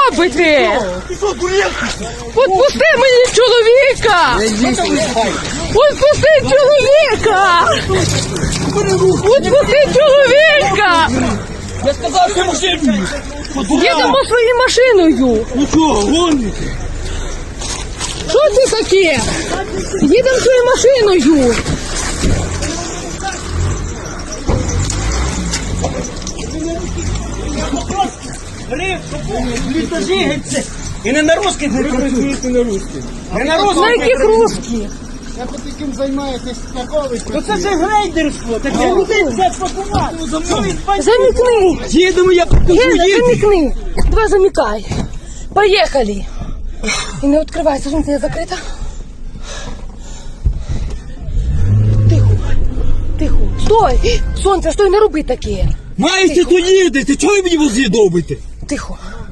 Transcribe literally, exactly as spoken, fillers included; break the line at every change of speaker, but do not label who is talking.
робите? Отпусти мені чоловіка! Отпусти чоловіка! Отпусти чоловіка!
Я сказав, що машину!
Їдемо своєю машиною!
Ну що, гоните?
Що це таке? Їдемо своєю машиною!
Літожігиться! І не на русських не працюєте на русських. Не на русських.
На яких русських?
Я по таким займаєтесь таковий.
То це ж грейдерство, таке людей взять пакувати.
Замікни!
Їдемо, я покажу,
Гена,
їдемо.
замікни! Давай замікай! Поїхали! І не відкривайся, жінка закрита. Тихо, тихо. Стой! Сонце, стой, не роби таке.
Маєте, то їдете, чого ви мені возі добите?
Тихо.